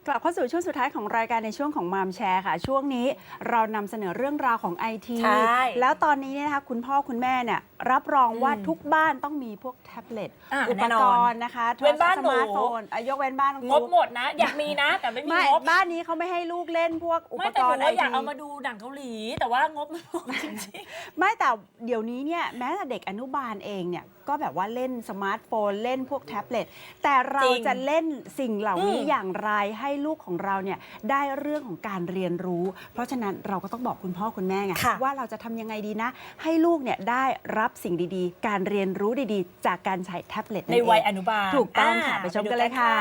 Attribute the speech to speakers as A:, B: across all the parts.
A: กลับเข้าสู่ช่วงสุดท้ายของรายการในช่วงของมามแชร์ค่ะช่วงนี้เรานำเสนอเรื่องราวของไอทีแล้วตอนนี้เนี่ยนะคะคุณพ่อคุณแม่เนี่ยรับรองว่าทุกบ้านต้องมีพวกแท็บเล็ตอุปกรณ์นะคะโทรศัพท์สมาร์ทโฟนยกเว้นบ้าน
B: งบหมดนะอยากมีนะแต่ไม่มีงบ
A: บ้านนี้เขาไม่ให้ลูกเล่นพวกอุปกรณ์ไอที
B: อยากเอามาดูหนังเกาหลีแต่ว่างบไม่พอจริง
A: ๆไม่แต่เดี๋ยวนี้เนี่ยแม้แต่เด็กอนุบาลเองเนี่ยก็แบบว่าเล่นสมาร์ทโฟนเล่นพวกแท็บเล็ตแต่เราจะเล่นสิ่งเหล่านี้อย่างไรให้ลูกของเราเนี่ยได้เรื่องของการเรียนรู้เพราะฉะนั้นเราก็ต้องบอกคุณพ่อคุณแม่ไงว่าเราจะทำยังไงดีนะให้ลูกเนี่ยได้รับสิ่งดีๆการเรียนรู้ดีๆจากการใช้แท็บเล็ต
B: ในวัยอนุบาล
A: ถูกต้องค่ะไปชมกันเลยค่ะ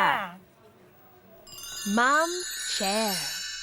A: Mom Share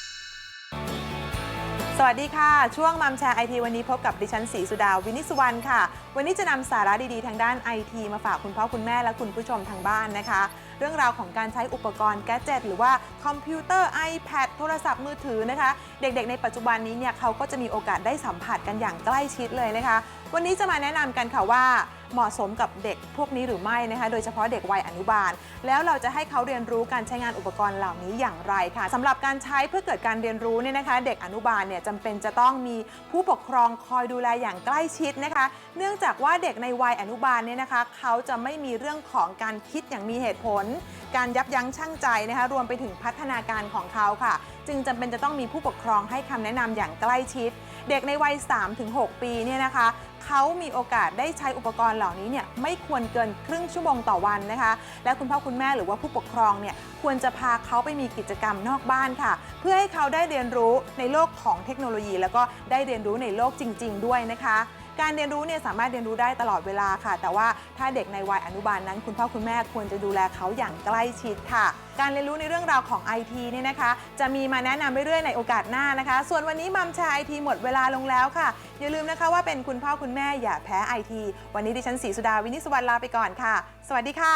C: สวัสดีค่ะช่วงมัมแชร์ไอทีวันนี้พบกับดิฉันศรีสุดาวินิสุวรรณค่ะวันนี้จะนำสาระดีๆทางด้านไอทีมาฝากคุณพ่อคุณแม่และคุณผู้ชมทางบ้านนะคะเรื่องราวของการใช้อุปกรณ์แกดเจ็ตหรือว่าคอมพิวเตอร์ iPad โทรศัพท์มือถือนะคะเด็กๆในปัจจุบันนี้เนี่ยเขาก็จะมีโอกาสได้สัมผัสกันอย่างใกล้ชิดเลยนะคะวันนี้จะมาแนะนำกันค่ะว่าเหมาะสมกับเด็กพวกนี้หรือไม่นะคะโดยเฉพาะเด็กวัยอนุบาลแล้วเราจะให้เขาเรียนรู้การใช้งานอุปกรณ์เหล่านี้อย่างไรค่ะสำหรับการใช้เพื่อเกิดการเรียนรู้เนี่ยนะคะเด็กอนุบาลเนี่ยจำเป็นจะต้องมีผู้ปกครองคอยดูแลอย่างใกล้ชิดนะคะเนื่องจากว่าเด็กในวัยอนุบาลเนี่ยนะคะเขาจะไม่มีเรื่องของการคิดอย่างมีเหตุผลการยับยั้งชั่งใจนะคะรวมไปถึงพัฒนาการของเขาค่ะจึงจำเป็นจะต้องมีผู้ปกครองให้คำแนะนำอย่างใกล้ชิดเด็กในวัย 3-6 ปีเนี่ยนะคะเขามีโอกาสได้ใช้อุปกรณ์เหล่านี้เนี่ยไม่ควรเกินครึ่งชั่วโมงต่อวันนะคะและคุณพ่อคุณแม่หรือว่าผู้ปกครองเนี่ยควรจะพาเขาไปมีกิจกรรมนอกบ้านค่ะเพื่อให้เขาได้เรียนรู้ในโลกของเทคโนโลยีแล้วก็ได้เรียนรู้ในโลกจริงๆด้วยนะคะการเรียนรู้เนี่ยสามารถเรียนรู้ได้ตลอดเวลาค่ะแต่ว่าถ้าเด็กในวัยอนุบาลนั้นคุณพ่อคุณแม่ควรจะดูแลเขาอย่างใกล้ชิดค่ะการเรียนรู้ในเรื่องราวของ IT เนี่ยนะคะจะมีมาแนะนำเรื่อยๆในโอกาสหน้านะคะส่วนวันนี้มัมแชร์ IT หมดเวลาลงแล้วค่ะอย่าลืมนะคะว่าเป็นคุณพ่อคุณแม่อย่าแพ้ IT วันนี้ดิฉันศรีสุดาวินิสุวรรณลาไปก่อนค่ะสวัสดีค่ะ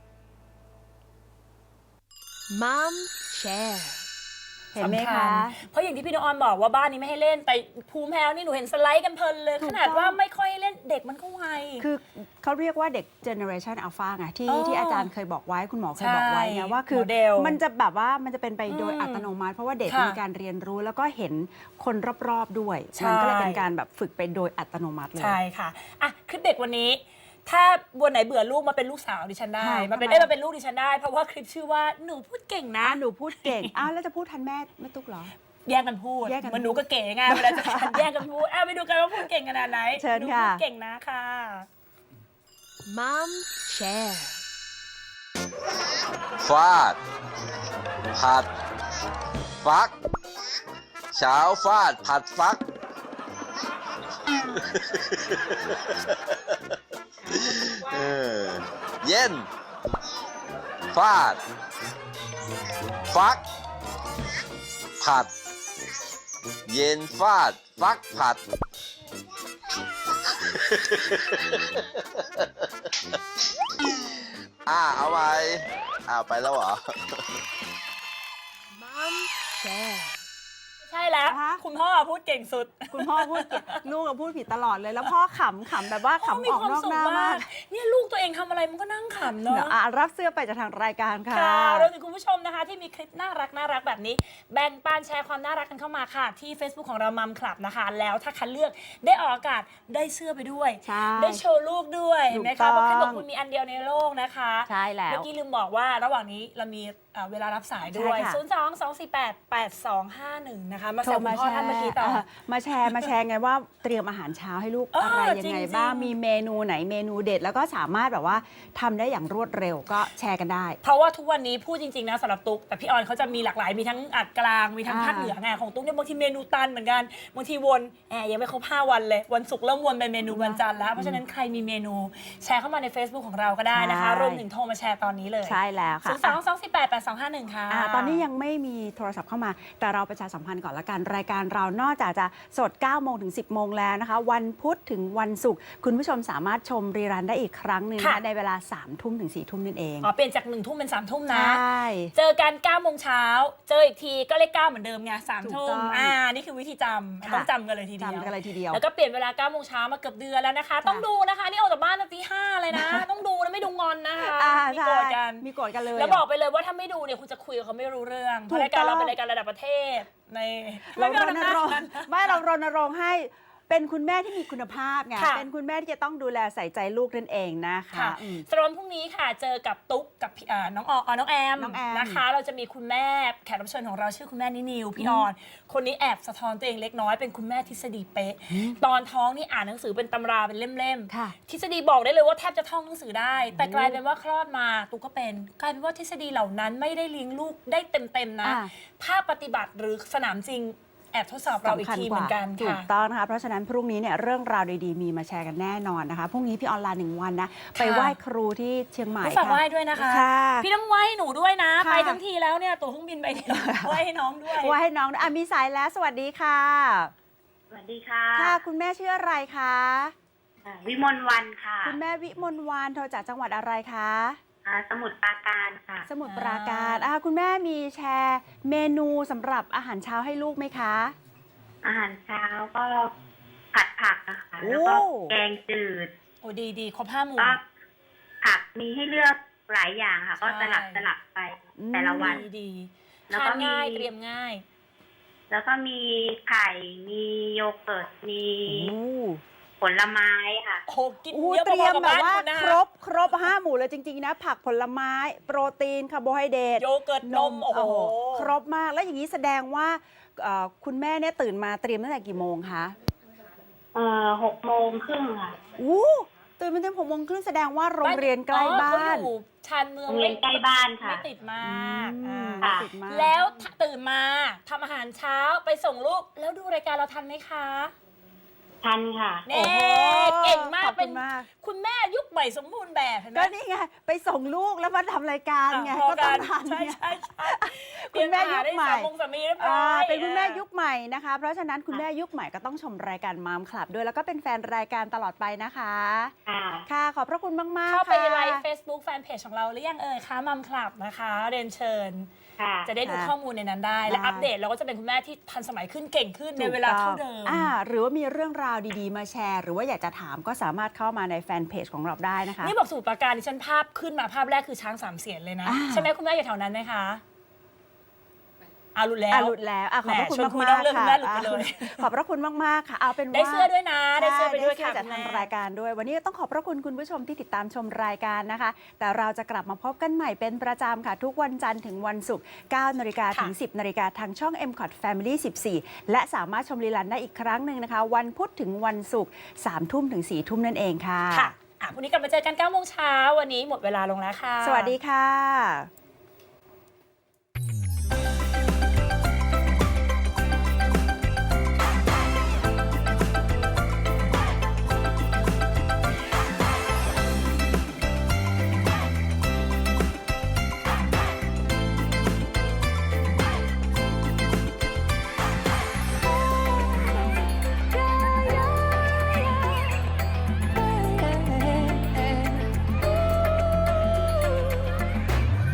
A: Mom Shareเห็นไหมคะ
B: เพราะอย่างที่พี่น้องออนบอกว่าบ้านนี้ไม่ให้เล่นแต่ภูมิแพ้นี่หนูเห็นสไลด์กันเพลินเลยขนาดว่าไม่ค่อยเล่นเด็กมันก็ไว
A: คือเขาเรียกว่าเด็ก Generation Alpha ไงที่อาจารย์เคยบอกไว้คุณหมอเคยบอกไว้นะว่าคือมันจะแบบว่ามันจะเป็นไปโดยอัตโนมัติเพราะว่าเด็กมีการเรียนรู้แล้วก็เห็นคนรอบๆด้วยมันก็เลยเป็นการแบบฝึกไปโดยอัตโนมัติเลย
B: ใช่ค่ะอ่ะคลิปเด็กวันนี้ถ้าวันไหนเบื่อลูกมาเป็นลูกสาวดิฉันได้มาเป็นลูกดิฉันได้เพราะว่าคลิปชื่อว่าหนูพูดเก่งนะ
A: หนูพูดเก่งอ้าวแล้วจะพูดทันแม่ไม่ตุ๊กเหรอ
B: แย่งกันพูดมันหนูก็เก๋ไงเวลาจะแย่งกันพูดไปดูกันว่าพูดเก่งขนาดไหน
A: เชิญค่ะ
B: พูดเก่งนะค่ะ
A: Mom Share
D: ฟาดผัดฟักเช้าฟาดผัดฟักเย็นฟาดฟักผัดเย็นฟาดฟักผัดเอาไว้ไปแล้วเหรอ
A: Mom Share
B: ใช่แล้วคุณพ่อพูดเก่งสุด
A: คุณพ่อพูดเก่งลูกก็พูดผิดตลอดเลยแล้วพ่อขำแบบว่าขำออกนอกหน้ามาก
B: เนี่ยลูกตัวเองทำอะไรมันก็นั่งขำเนาะ
A: รับเสื้อไปจากทางรายการค่ะ
B: รวมถึงคุณผู้ชมนะคะที่มีคลิปน่ารักแบบนี้แบ่งปันแชร์ความน่ารักกันเข้ามาค่ะที่ Facebook ของเรามัมคลับนะคะแล้วถ้าคัดเลือกได้ออกอากาศได้เสื้อไปด้วยได้โชว์ลูกด้วยนะคะเพราะคลิปของคุณมีอันเดียวในโลกนะคะ
A: ใช่แล้ว
B: เมื่อกี้ลืมบอกว่าระหว่างนี้เรามีเวลารับสายด้วย022488251นะคะมาแชร์คุณพ่อท่านเมื่อกี้ต่อ
A: มาแชร์ไงว่าเตรียมอาหารเช้าให้ลูกอะไรยังไงบ้างมีเมนูไหนเมนูเด็ดแล้วก็สามารถแบบว่าทำได้อย่างรวดเร็วก็แชร์กันได้
B: เพราะว่าทุกวันนี้พูดจริงๆนะสำหรับตุ๊กแต่พี่ออนเขาจะมีหลากหลายมีทั้งอัดกลางมีทั้งภาคเหนือไงของตุ๊กเนี่ยบางทีเมนูตันเหมือนกันบางทีวนยังไม่ครบ5 วันเลยวันศุกร์เริ่มวนเป็นเมนูวันจันทร์แล้วเพราะฉะนั้นใครมีเมนูแชร์เข้ามาใน Facebook ของเราก็ได้นะคะรวมถึงโทรมาแชร์ตอนนี้เลย
A: ใช่แล้วค่ะ
B: 022488251ค่ะ
A: ตอนนี้ยังไม่มีโทรศัพท์เข้ามาแต่เราประชาสัมพันธ์ก่อนละกันรายการการเรานอกจากจะสด 9 โมงถึง 10 โมงแล้วนะคะ วันพุธถึงวันศุกร์คุณผู้ชมสามารถชมรีรันได้อีกครั้งหนึ่งนะคะ
B: ค่ะ
A: ในเวลา 3 ทุ่มถึง 4 ทุ่มนั่นเอง
B: อ๋อเปลี่ยนจาก1 ทุ่มเป็น3 ทุ่ม
A: ใช
B: นะ
A: ่
B: เจอกัน9 โมงเช้าเจออีกทีก็เลข9เหมือนเดิมไง3
A: ถูก
B: ทุ่
A: ต้
B: ม
A: อง
B: นี่คือวิธีจำ
A: ค่ะ
B: ต้องจำกันเลยทีเดียว
A: จำกันเลยทีเดียว
B: แล้วก็เปลี่ยนเวลา9 โมงเช้ามาเกือบเดือนแล้วนะคะ ต้องดูนะคะนี่ออกจากบ้านตั้งตี 5เลยนะ ต้องดูนะไม่ดูงอนนะคะ มี
A: ใช่
B: โกรธกัน
A: มีโกรธกันเลย
B: แล้วบอกไปเลยว่าถ้าไม่ดูเนี่ยคุณจะคุยกับเขาไม่รู้เรื่องเพ
A: ถู
B: ราะ
A: ก
B: รายการเรา
A: ต้อง
B: เป็นรายการระดับประเทศใน
A: เรารณรงค์
B: ไม่
A: ไม่เรารณรงค์ให้เป็นคุณแม่ที่มีคุณภาพไง
B: ค่ะ
A: เป็นคุณแม่ที่จะต้องดูแลใส่ใจลูกนั่นเองนะคะ
B: ค่ะสำหรับวันพรุ่งนี้ค่ะเจอกับตุ๊กกับน้องน้องแอม
A: น้องแอม
B: นะคะ เราจะมีคุณแม่แขกรับเชิญของเราชื่อคุณแม่นิวพี่ออน คนนี้แอบสะท้อนตัวเองเล็กน้อยเป็นคุณแม่ทฤษฎีเป๊ะ ตอนท้องนี่อ่านหนังสือเป็นตำราเป็นเล่ม
A: ค่ะ
B: ทฤษฎีบอกได้เลยว่าแทบจะท่องหนังสือได้ แต่กลายเป็นว่าคลอดมาตุ๊กก็เป็นกลายเป็นว่าทฤษฎีเหล่านั้นไม่ได้เลี้ยงลูกได้เต็มๆนะ
A: อ่า
B: ภาคปฏิบัติหรือสนามจริงแอบทดสอบเราอีกทีเหมือนกัน
A: ถู
B: ค่ะ
A: กต้องนะคะ เพราะฉะนั้นพรุ่งนี้เนี่ยเรื่องราวดีๆมีมาแชร์กันแน่นอนนะคะ พรุ่งนี้พี่ออนไลน์1 วันนะ ไปไหว้ครูที่เชียงใหม่
B: ฝากไหว้ด้วยนะคะ
A: ค่ะ
B: พี่ต้องไหว้ให้หนูด้วยนะ
A: ค่ะ
B: ไปทั้งทีแล้วเนี่ยตั๋วเครื่องบินไปเนี่ยไหว้ให้น้องด้วย
A: ไหว้ให้น้องอ่ะมีสายแล้วสวัสดีค่ะ
E: สวัสดีค่ะ
A: ค่ะ คุณแม่ชื่ออะไรคะ
E: วิมลวันค่ะ
A: คุณแม่วิมลวานโทรจากจังหวัดอะไรคะ
E: สมุทรปราการค่ะ
A: สมุทรปราการคุณแม่มีแชร์เมนูสำหรับอาหารเช้าให้ลูกไหมคะ
E: อาหารเช้าก็ผัดผักนะคะ
A: โอ้
E: แล้วก็แกงจืด
B: โอ้ดีครบ5 หมู่
E: ก็ผักมีให้เลือกหลายอย่างค่ะ ก็
B: ใช่
E: สลับไปแต่ละวัน
B: ดี
E: แล้ว
B: ทา
E: ก็
B: น
E: มี
B: ง่ายเตรียมง่าย
E: แล้วก็มีไข่ มีโยเกิร์ต มี
A: โอ้
E: ผลไม้ค่ะ
B: โอ้โหกิน
A: โอ้
B: เยอะ
A: เตรี
B: พ
A: ย
B: อ
A: ม
B: ๆกับ
A: แบบ
B: บ้าน
A: ว่า
B: คุณนะ
A: ครบ5 หมู่เลยจริงๆนะ ผักผลไม้ โปรตีนคาร์โบไฮเดรต
B: โยเกิร์ตนมโอ้โห
A: ครบมากแล้วอย่างนี้แสดงว่าคุณแม่เนี่ยตื่นมาเตรียมตั้งแต่กี่โมงคะ
E: 6:30ค่ะ
A: ตื่นมาเตรียม6 โมงครึ่งแสดงว่าโรงเรียนใกล้บ้าน
B: เขาอยู่ชานเมือง
E: โรงเรียนใกล้บ้านค่ะ
B: ไม่ติดมาก
A: ไม่
B: อ่า
A: ติดมาก
B: แล้วตื่นมาทำอาหารเช้าไปส่งลูกแล้วดูรายการเราทันไหมคะ
E: ทันค่ะ
B: เน่เก่งมาก
A: ขอบ
B: เป็
A: คุ
B: น
A: ณมาก
B: คุณแม่ยุคใหม่สมบูรณ์แบบเห็นไหม
A: ก็นี่ไงไปส่งลูกแล้วมาทำรายการไง
B: พอ
A: ก็ต้องทัน
B: ใช่
A: ไง
B: ใช่ใช่
A: คุณแม่ยุคใหม่
B: เตรียอาหารได้สามโมงสามีเรียบร้อย
A: เป็นคุณแม่ยุคใหม่นะคะ เพราะฉะนั้นคุณแม่ยุคใหม่ก็ต้องชมรายการมามคลับด้วยแล้วก็เป็นแฟนรายการตลอดไปนะคะ
E: ค่ะ
A: ค่ะ ขอบพระคุณมากๆ
B: เข้าไป
A: ค่ะ
B: ไลฟ์ Facebook แฟนเพจของเราหรือยังคะมัมคลับนะคะเรียนเชิญ
E: ค่ะ
B: จะได้ดู
A: ค่ะ
B: ข้อมูลในนั้นได้ และ
A: ได้
B: อัปเดตเราก็จะเป็นคุณแม่ที่ทันสมัยขึ้นเก่งขึ้นในเวลาเท่าเดิม
A: หรือว่ามีเรื่องราวดีๆมาแชร์ หรือว่าอยากจะถามก็สามารถเข้ามาในแฟนเพจของเราได้นะคะ
B: นี่บอกสมุทรปราการดิฉันภาพขึ้นมาภาพแรกคือช้าง3 เสียนเลยนะ ใช่ไหมคุณแม่อยู่แถวนั้นไหมคะหลุดแล้ว
A: หลุดแล้วขอบพระคุณ
B: แหม่ชวนคุย
A: มาก
B: นอกเรื่อง
A: ๆค่ะ
B: คุณแม่หลุดไปเลย
A: ขอบพระคุณมากๆค่ะเอาเป็นว่า
B: ได้เสื้อด้วยนะได้เสื้อไปด้วย
A: ใช่
B: ค่ะ
A: จาก
B: คุณ
A: ทาง
B: แม่
A: รายการด้วย วันนี้ต้องขอบพระคุณคุณผู้ชมที่ติดตามชมรายการนะคะ แต่เราจะกลับมาพบกันใหม่เป็นประจำค่ะ ทุกวันจันทร์ถึงวันศุกร์ 9 นาฬิกาถึง 10 นาฬิกาทางช่อง MCOT Family 14 และสามารถชมรีลันได้อีกครั้งหนึ่งนะคะ วันพุธถึงวันศุกร์ 3 ทุ่มถึง 4 ทุ่มนั่นเองค่ะ
B: ค่ะพรุ่งนี้กลับมาเจอกัน9 โมงเช้าวันนี้หมดเวลาลงแล้วค่ะ
A: สวัสดีค่ะ